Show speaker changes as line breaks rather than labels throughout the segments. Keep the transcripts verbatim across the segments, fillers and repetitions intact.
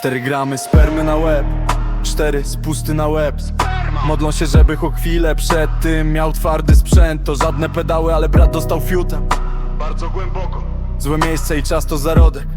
Cztery gramy spermy na łeb, cztery spusty na łeb. Modlą się, żeby o chwilę przed tym miał twardy sprzęt. To żadne pedały, ale brat dostał fiuta bardzo głęboko. Złe miejsce i czas to zarodek.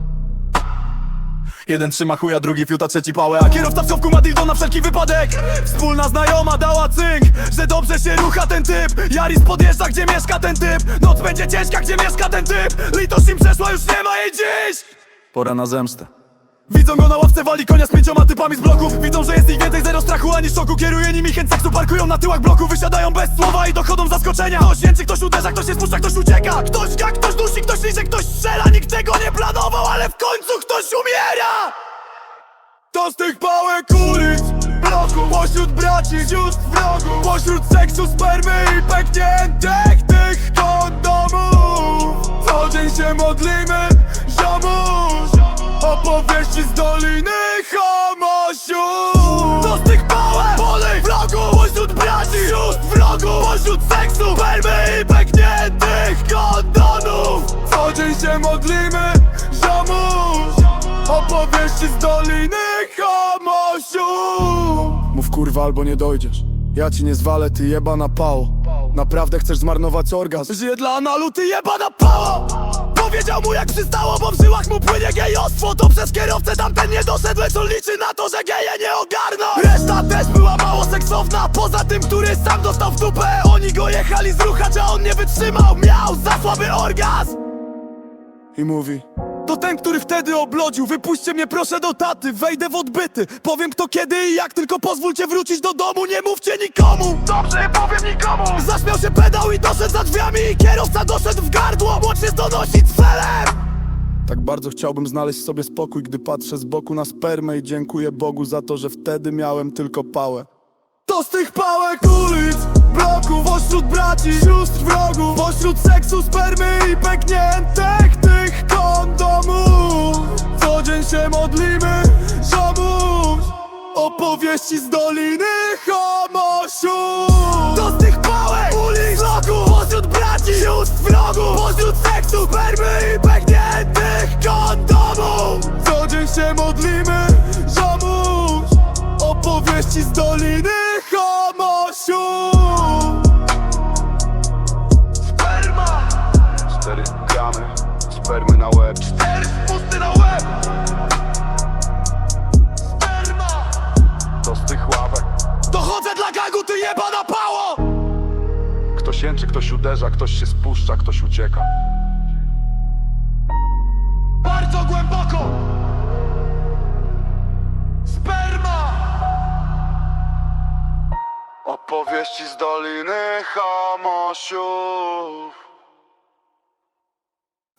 Jeden trzyma chuja, drugi fiuta, trzeci pałę, a kierowca w schowku ma dildo na wszelki wypadek. Wspólna znajoma dała cynk, że dobrze się rucha ten typ. Jaris podjeżdża, gdzie mieszka ten typ. Noc będzie ciężka, gdzie mieszka ten typ. Litość im przeszła, już nie ma jej dziś. Pora na zemstę. Widzą go na ławce, wali konia z pięcioma typami z bloków. Widzą, że jest ich więcej, zero strachu ani szoku. Kieruje nimi chęć seksu, parkują na tyłach bloku. Wysiadają bez słowa i dochodzą zaskoczenia. Ktoś jęczy, ktoś uderza, ktoś się spuszcza, ktoś ucieka. Ktoś ga, ktoś dusi, ktoś liże, ktoś strzela. Nikt tego nie planował, ale w końcu ktoś umiera. To z tych pałek ulic, bloków, pośród braci, sióstr wrogów, pośród seksu, spermy i pękniętych tych kondomów. Co dzień się modlimy, ziomuś, opowieści z Doliny Chomosiu. To z tych pałek, polej, vlogów, pośród braci, sióstr wrogów, pośród seksu, spermy i pękniętych kondomów. Co dzień się modlimy, ziomuś, opowieści z Doliny Chomosiu. Mów kurwa, albo nie dojdziesz. Ja ci nie zwalę, ty jebana pało. Naprawdę chcesz zmarnować orgazm? Żyję dla analu, ty jebana pało. Powiedział mu jak przystało, bo w żyłach mu płynie gejostwo. To przez kierowcę tamten nie doszedł, lecz on liczy na to, że geje nie ogarną. Reszta też była mało seksowna, poza tym, który sam dostał w dupę. Oni go jechali zruchać, a on nie wytrzymał. Miał za słaby orgazm. I mówi: to ten, który wtedy oblodził. Wypuśćcie mnie proszę do taty, wejdę w odbyty. Powiem kto, kiedy i jak, tylko pozwólcie wrócić do domu. Nie mówcie nikomu. Dobrze, nie powiem nikomu. Zaśmiał się pedał i doszedł za drzwiami. I kierowca doszedł w gardło, młodszy donosi celem. Tak bardzo chciałbym znaleźć sobie spokój, gdy patrzę z boku na spermę. I dziękuję Bogu za to, że wtedy miałem tylko pałę. To z tych pałek ulic, bloków, pośród braci, sióstr wrogów, pośród seksu, spermy i pękniętych tych kondomów. Co dzień się modlimy, ziomuś, opowieści z Doliny Chomosiu. To z tych pałek ulic, bloków, pośród braci, sióstr wrogów, pośród seksu, spermy i pękniętych kondomów. Co dzień się modlimy, ziomuś, opowieści z Doliny Chomosiu. Sperma.
Cztery gramy, spermy na łeb.
Cztery spusty na łeb. Sperma.
To z tych ławek.
Dochodzę dla gangu, ty jebana pało.
Ktoś jęczy, ktoś uderza, ktoś się spuszcza, ktoś ucieka.
Bardzo głęboko. Sperma.
Opowieści z Doliny Chomosiu.